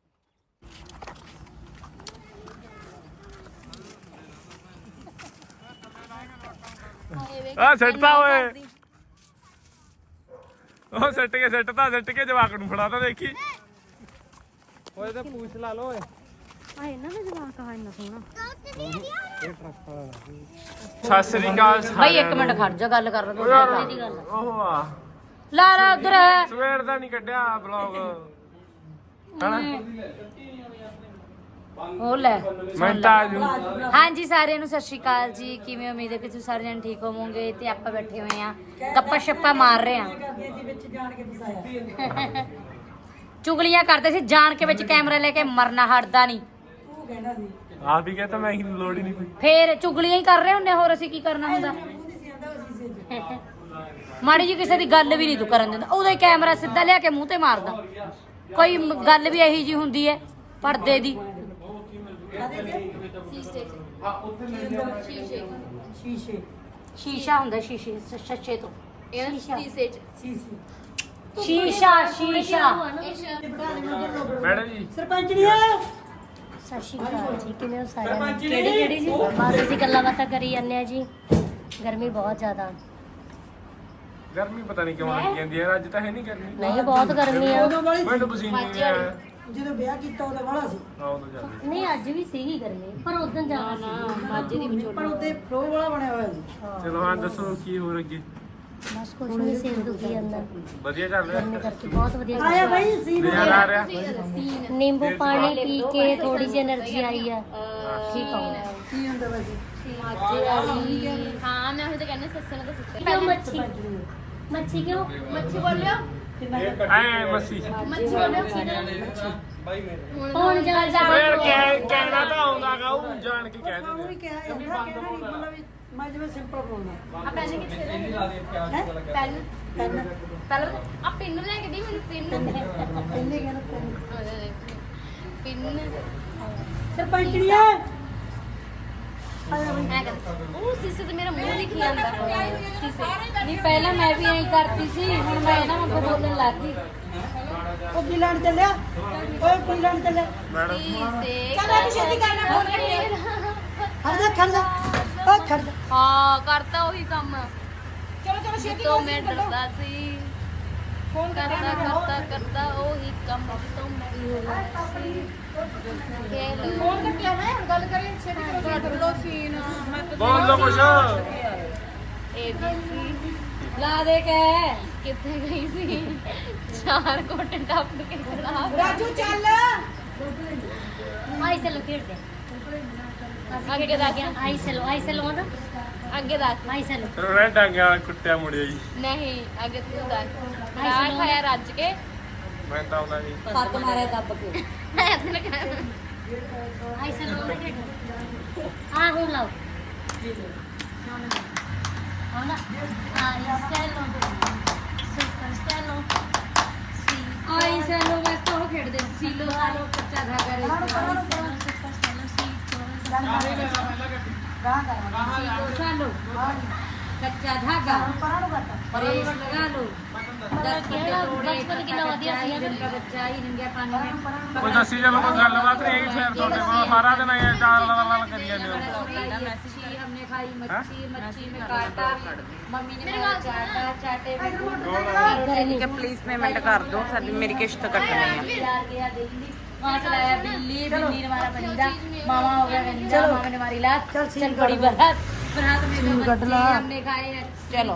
A: ਆ ਸੱਟਦਾ ਓਏ ਉਹ ਸੱਟ ਕੇ ਸੱਟਦਾ ਸੱਟ ਕੇ ਜਵਾਕ ਨੂੰ ਫੜਾਤਾ ਦੇਖੀ
E: ਓਏ ਤਾਂ ਪੂਛ ਲਾ ਲੋ ਓਏ
D: ਆ ਇਹਨਾਂ ਦਾ ਜਵਾਕ ਆ ਇੰਨਾ ਸੋਹਣਾ
A: ਸਤਿ ਸ੍ਰੀ ਅਕਾਲ
G: ਭਾਈ ਇੱਕ ਮਿੰਟ ਖੜ ਜਾ ਗੱਲ ਕਰ ਰਹੇ
A: ਯਾਰ
G: ਦੀ ਗੱਲ
A: ਉਹ ਆ
G: ਲਾ ਲਾ ਉਧਰ
A: ਸਵੇਰ ਦਾ ਨਹੀਂ ਕੱਢਿਆ ਬਲੌਗ ਹਨਾ
G: ਉਹ ਲੈ
A: ਮੈਂ ਤਾਂ ਆ ਜੂ
G: ਹਾਂਜੀ ਸਾਰਿਆਂ ਨੂੰ ਸਤਿ ਸ਼੍ਰੀ ਅਕਾਲ ਜੀ ਕਿਵੇਂ ਉਮੀਦ ਹੈ ਕਿ ਤੁਸੀਂ ਸਾਰੇ ਜਣ ਠੀਕ ਹੋਵੋਗੇ ਤੇ ਆਪਾਂ ਬੈਠੇ ਹੋਏ ਆ ਗੱਪਾਂ ਛੱਪਾਂ ਮਾਰ ਰਹੇ ਆ ਚੁਗਲੀਆਂ ਕਰਦੇ ਸੀ ਜਾਣ ਕੇ ਵਿੱਚ ਕੈਮਰਾ ਲੈ ਕੇ ਮਰਨਾ ਹਟਦਾ ਨਹੀਂ
A: ਆਪ ਹੀ ਕਹਤਾ ਮੈਂ ਲੋੜ ਹੀ ਨਹੀਂ ਪਈ
G: ਫੇਰ ਚੁਗਲੀਆਂ ਹੀ ਕਰ ਰਹੇ ਹੁੰਦੇ ਹੋਰ ਅਸੀਂ ਕੀ ਕਰਨਾ ਹੁੰਦਾ ਮਾੜੀ ਜੀ ਕਿਸੇ ਦੀ ਗੱਲ ਵੀ ਨਹੀਂ ਤੂੰ ਕਰਨ ਦਿੰਦਾ ਉਹਦਾ ਹੀ ਕੈਮਰਾ ਸਿੱਧਾ ਲਿਆ ਕੇ ਮੂੰਹ ਤੇ ਮਾਰਦਾ ਕੋਈ ਮ- ਗੱਲ ਵੀ ਇਹੀ ਜੀ ਹੁੰਦੀ ਹੈ ਪਰਦੇ ਦੀ
B: ਸ਼ੀਸ਼ੇ
G: ਸ਼ੀਸ਼ਾ ਹੁੰਦਾ ਸ਼ੀਸ਼ੇ ਸ਼ੱਸ਼ੇ ਤੋਂ
C: ਸ਼ੀਸ਼ੇ ਚ
G: ਸ਼ੀਸ਼ਾ ਸ਼ੀਸ਼ਾ
A: ਮੈਡਮ ਜੀ
B: ਸਰਪੰਚੜੀਆ
D: ਸਤਿ ਸ਼੍ਰੀ ਅਕਾਲ ਜੀ ਕਿਵੇਂ ਹੋ ਸਾਰਿਆਂ ਨੂੰ ਕਿਹੜੀ ਕਿਹੜੀ ਜੀ ਬਸ ਅਸੀਂ ਗੱਲਾਂ ਬਾਤਾਂ ਕਰੀ ਜਾਂਦੇ ਆ ਜੀ ਗਰਮੀ ਬਹੁਤ ਜ਼ਿਆਦਾ
A: ਗਰਮੀ ਪਤਾ ਨਹੀਂ ਕਿਉਂ ਲੱਗੀ ਜਾਂਦੀ ਹੈ ਅੱਜ ਤਾਂ ਹੈ ਨਹੀਂ ਗਰਮੀ
D: ਨਹੀਂ ਬਹੁਤ ਗਰਮੀ ਆ
A: ਮੈਂ ਤਾਂ ਪਸੀਨੇ ਨਹੀਂ ਆਇਆ
B: ਜਦੋਂ ਵਿਆਹ ਕੀਤਾ ਉਹਦਾ ਵਾਲਾ ਸੀ
A: ਆਹ ਉਦੋਂ ਜਾਂਦੇ
D: ਨਹੀਂ ਅੱਜ ਵੀ ਸੀਗੀ ਗਰਮੀ ਪਰ ਉਦੋਂ ਜ਼ਿਆਦਾ ਸੀ
G: ਮਾਝੇ ਦੀ ਵਿਚੋਲਾ
B: ਪਰ ਉਹਦੇ ਫਲੋ ਵਾਲਾ ਬਣਿਆ ਹੋਇਆ ਸੀ
A: ਚਲੋ ਹਾਂ ਦੱਸੋ ਕੀ ਹੋਰ ਅੱਗੇ
D: ਬਸ ਕੁਛ ਨਹੀਂ ਸਿਰ ਦੁਖੀ ਜਾਂਦਾ
A: ਵਧੀਆ ਚੱਲ ਰਿਹਾ
D: ਗਰਮੀ ਕਰਕੇ ਬਹੁਤ ਵਧੀਆ
B: ਆਇਆ ਬਾਈ ਸੀਨ
A: ਨਜ਼ਾਰਾ ਆ ਰਿਹਾ
D: ਨਿੰਬੂ ਪਾਣੀ ਪੀ ਕੇ ਥੋੜੀ ਜਿਹੀ એનર્ਜੀ ਆਈ ਆ ਠੀਕ ਹੋ
B: ਕੀ ਹੁੰਦਾ ਵੈਸੇ
C: ਹਾਂ ਮੈਂ ਉਹ ਤਾਂ ਕਹਿੰਦਾ ਸੱਸੇ ਨਾਲ ਤਾਂ ਸੱਸੇ
D: ਕਿਉਂ ਮੱਛੀ ਮੱਛੀ ਕਿਉਂ
C: ਮੱਛੀ ਬੋਲਿਓ
A: ਐ ਮੱਸੀ
C: ਮੱਛੀ ਬੋਲਿਓ
D: ਹੁਣ ਜਾ ਜਾ
A: ਫੇਰ ਕਹਿ ਕਹਿਣਾ ਤਾਂ ਆਉਂਦਾਗਾ ਉਹ ਜਾਣ ਕੇ ਕਹਿ
B: ਉਹ ਵੀ
A: ਦਿੰਦੇ
B: ਕਿਹਾ ਹੈ ਕਹਿਣਾ ਨਹੀਂ ਮਤਲਬ ਵੀ ਮੈਂ ਜਿਵੇਂ ਸਿੰਪਲ ਬੋਲਦਾ
C: ਆ ਪੈਨ ਕਿੱਥੇ ਰਹਿ ਪੈਨ
B: ਪੈਨ
C: ਪਹਿਲਾਂ ਆ ਪਿੰਨ ਲੈ ਕੇ ਦੀ ਮੈਨੂੰ ਪਿੰਨ
B: ਇੰਨੇ ਕਹਿਣਾ
C: ਪਿੰਨ
B: ਸਰਪੰਚੜੀਆ
C: ਮੈਂ ਕਰ ਉਹ ਸੀਸੇ ਤੇ ਮੇਰਾ ਮੂੰਹ ਦਿਖੀ ਜਾਂਦਾ ਸੀਸੇ
G: ਨਹੀਂ ਪਹਿਲਾਂ ਮੈਂ ਵੀ ਐਂ ਕਰਦੀ ਸੀ ਹੁਣ ਮੈਂ ਇਹਨਾਂ ਵਾਂਗੂ ਬੋਲਣ ਲੱਗ ਗਈ
B: ਉਹ ਕੀ ਲੈਣ ਚੱਲਿਆ ਓਏ ਕੀ ਲੈਣ ਚੱਲਿਆ
C: ਸੀਸੇ
B: ਚੱਲ ਛੇਤੀ ਕਰਨਾ ਫੋਨ ਖੜ ਜਾ ਖੜ ਜਾ ਓ ਖੜ ਜਾ
C: ਹਾਂ ਕਰਤਾ ਉਹੀ ਕੰਮ ਚਲੋ ਚਲੋ ਛੇਤੀ ਤੋਂ ਮੈਂ ਡਰਦਾ ਸੀ ਫੋਨ ਕਰਦਾ ਕਰਦਾ ਕਰਦਾ ਉਹੀ ਕੰਮ ਤੋਂ ਮੈਂ ਫੋਨ ਕੱਟਿਆ ਮੈਂ ਹੁਣ ਗੱਲ ਕਰੀ ਛੇਤੀ ਕਰੋ ਕੱਟ ਲੋ ਸੀਨ ਮੈਂ
A: ਬੋਲ ਦੋ ਕੁਛ
C: ਏ ਬੀ ਸੀ
G: ਲਾ ਦੇ ਕੇ
C: ਕਿੱਥੇ ਗਈ ਸੀ ਚਾਰ ਕੋਟ ਟੱਪ ਕੇ ਖਰਾਬ
B: ਰਾਜੂ ਚੱਲ
D: ਆਈ ਚਲੋ ਖੇਡਦੇ
C: ਅੱਗੇ ਦਾ ਗਿਆ
D: ਆਈ ਚਲੋ ਆਈ ਚਲੋ ਨਾ
C: ਅੱਗੇ ਦਾ
D: ਆਈ ਚਲੋ
A: ਰੋਣਾ ਡਾਂਗਾ ਵਾਲਾ ਕੁੱਟਿਆ ਮੁੜਿਆ ਜੀ
C: ਨਹੀਂ ਅੱਗੇ ਤੂੰ ਦਾ ਰਾਹ ਖਾਇਆ ਰੱਜ ਕੇ
A: ਮੈਂ ਤਾਂ ਆਉਂਦਾ ਨਹੀਂ
G: ਪੱਗ ਮਾਰਿਆ ਦੱਬ ਕੇ
D: ਆਈ ਚਲੋ ਨਾ ਖੇਡੋ ਆ ਹੁਣ ਲਾਓ ਹਾਂ ਨਾ ਆਈ ਸੈਲੋ ਸੁਪਰ ਸੈਲੋ
H: ਆਈ ਸੈਲੋ ਮੈਂ ਤਾਂ ਉਹ ਖੇਡਦੇ ਸੀ, ਸੀਲੋ ਸਾਲੋ ਕੱਚਾ ਧਾਗਾ ਰੇ
D: ਸੁਪਰ ਸੈਲੋ ਸੀ
H: सीलो सालो कच्चा धागा रेस लगा लो दस पत्ते तोड़े
D: बचपन कितना ਵਧੀਆ ਸੀ
H: दिन का बच्चा ही नंगे पानी में
A: ਕੋਈ ਦੱਸੀ ਜਾਵੇ ਕੋਈ ਗੱਲਬਾਤ ਨਹੀਂ ਹੈਗੀ ਫਿਰ ਤੁਹਾਡੇ ਕੋਲ ਸਾਰਾ ਦਿਨ ਇਹ ਚਾਰ ਲਾ ਲਾ ਕਰੀ ਜਾਂਦੇ ਹੋ
H: मच्छी हमने खाई मच्छी मच्छी में काटा मम्मी ने मेरा चाटा चाटे में
G: ਠੀਕ ਹੈ ਪਲੀਜ਼ ਪੇਮੈਂਟ ਕਰ ਦਿਓ ਸਾਡੀ ਮੇਰੀ ਕਿਸ਼ਤ ਕੱਟਣੀ ਹੈ
H: प्यार गया दिल्ली वहाँ से लाया बिल्ली बिल्ली ने मारा पंजा मामा हो गया गंजा मामा ने मारी लात चल बड़ी बारात बारात में दो बच्चे हमने खाए
G: ਚਲੋ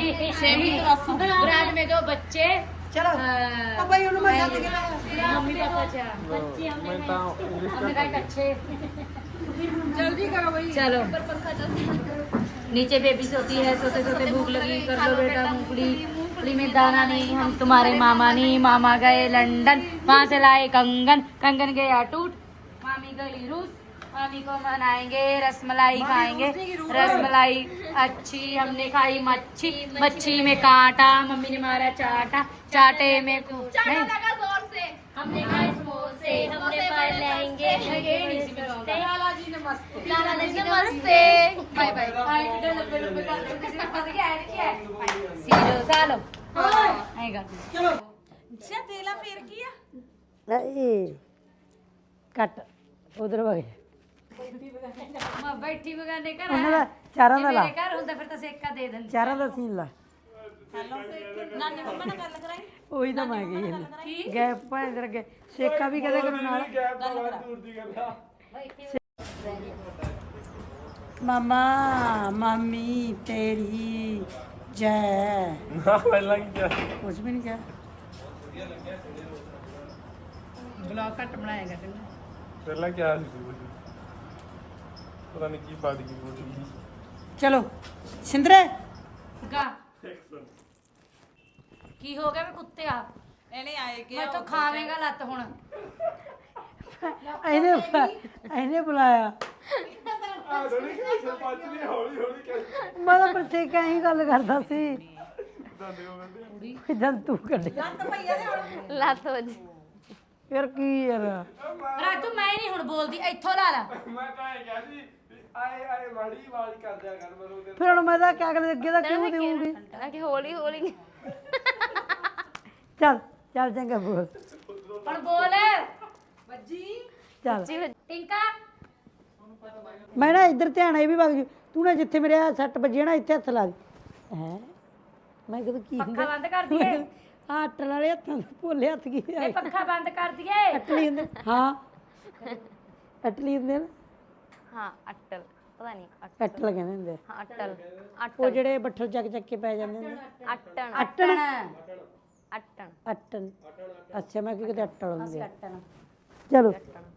H: बारात में दो बच्चे
B: ਚਲੋ
H: अ,
B: ਭਾਈ ਉਹਨੂੰ ਮੈਂ ਛੱਡ ਕੇ ਲਾਇਆ
H: मम्मी पापा चार
D: ਬੱਚੇ हमने
H: हमने खाए कच्चे जल्दी करो भाई चलो नीचे बेबी सोती है सोते सोते भूख लगी कर लो बेटा मूंगफली मूंगफली में दाना नहीं हम तुम्हारे मामा नहीं मामा गए लंदन वहाँ से लाए कंगन कंगन गया टूट मामी गई रूस मामी को मनाएंगे रसमलाई खाएंगे रसमलाई अच्छी हमने खाई मच्छी मच्छी में कांटा मम्मी ने मारा चाटा चाटे में कुछ नहीं
D: हमने खाए समोसे हमने पाए लहंगे
H: लाला जी नमस्ते
D: लाला जी नमस्ते
H: बाय बाय सीरो सालो आएगा
B: ਚਲੋ
C: ਅੱਛਾ ਤੇਲਾ ਫੇਰ ਕੀ ਆ
B: ਇਹ ਕੱਟ ਉਧਰ ਵਗੇ
H: मैं बैठी बगाने कर
B: ਉਹਨਾਂ ਦਾ ਚਾਰਾਂ ਦਾ ਲਾ
H: मेरे घर होता फिर तो सेका दे देंगे
B: ਚਾਰਾਂ ਦਾ ਸੀਨ ਲਾ
C: ਨਾਨੀ ਮੰਮਾ ਨਾਲ ਗੱਲ ਕਰਾਈ
B: ਉਹੀ ਤਾਂ ਮੈਂ ਗਈ ਹਾਂ ਗਏ ਭਾਂ ਇਧਰ ਗਏ ਸੇਕਾ ਵੀ ਕਦੇ ਕਰਨ ਨਾਲ ਮਾਮਾ ਮਾਮੀ ਤੇਰੀ ਜੈ
A: ਨਾ ਪਹਿਲਾਂ ਕੀ ਕਿਹਾ
B: ਕੁਝ ਵੀ ਨਹੀਂ ਕਿਹਾ
C: ਬਲੌਗ ਘੱਟ ਬਣਾਏਗਾ ਤੈਨੂੰ
A: ਪਹਿਲਾਂ ਕਿਹਾ ਸੀ ਕੁਝ ਪਤਾ ਨਹੀਂ ਕੀ ਬਾਤ ਕੀ ਬੋਲੀ
B: ਚਲੋ ਸਿੰਦਰੇ
H: गा की हो गया मैं कुत्ते आ
C: ਇਹਨੇ ਆਏ ਕਿ
H: मैं तो खावेगा लत हुन
B: ਇਹਨੇ ਇਹਨੇ ਬੁਲਾਇਆ ਮੈਂ ਤਾਂ ਪ੍ਰਤੀਕ ਹੀ ਗੱਲ ਕਰਦਾ ਸੀ ਜਦ ਤੂੰ ਕੱਢਿਆ
D: ਲੱਤ ਵੱਜੀ
B: ਫਿਰ ਕੀ ਯਾਰ
H: राजू मैं नहीं हुन बोलदी इथों ला ला
A: ਮੈਂ ਤਾਂ ਇਹ ਕਿਹਾ ਸੀ ਆਏ ਆਏ ਮਾੜੀ ਆਵਾਜ਼ ਕਰ ਦਿਆ ਕਰ ਮਰੋ
B: ਫਿਰ ਹੁਣ ਮੈਂ ਤਾਂ ਕਿਆ ਕਰ ਅੱਗੇ ਦਾ ਕਿਉਂ ਦੇਵਾਂਗੀ
D: ਕਿ ਹੌਲੀ ਹੌਲੀ
B: ਚੱਲ ਚੱਲ ਚੰਗਾ ਬੋਲ
H: हुन बोल
B: ਚੱਲ
H: टिंका
B: ਮੈਂ ਨਾ ਇੱਧਰ ਧਿਆਨ ਇਹ ਵੀ ਵਗ ਜੂ ਤੂੰ ਨਾ ਜਿੱਥੇ ਮੇਰੇ ਆ ਸੱਟ ਵੱਜੀ ਨਾ ਇੱਥੇ ਹੱਥ ਲਾ ਦੇ ਹੈ ਮੈਂ ਕਦੋਂ ਕੀ
H: पक्खा बंद कर दिए
B: ਆ ਅੱਟਣ ਵਾਲੇ ਹੱਥਾਂ ਦੇ ਭੋਲੇ ਹੱਥ ਕੀ
H: ये पक्खा बंद कर दिए
B: ਅਟਲੀ ਹੁੰਦੇ ਹਾਂ ਅਟਲੀ ਹੁੰਦੇ ਨਾ
D: ਹਾਂ ਅਟਲ ਪਤਾ ਨਹੀਂ
B: ਅਟਲ ਕਹਿੰਦੇ ਹੁੰਦੇ
D: ਹਾਂ ਅਟਲ
B: ਉਹ ਜਿਹੜੇ ਬੱਠਲ ਚੱਕ ਚੱਕ ਕੇ ਪੈ ਜਾਂਦੇ ਹੁੰਦੇ
D: ਅਟਣ
B: ਅਟਣ
D: ਅਟਣ
B: ਅਟਣ ਅੱਛਾ ਮੈਂ ਕਿ ਕਿਤੇ ਅਟਲ ਹੁੰਦੇ ਆ।
H: अट्टन
B: ਚਲੋ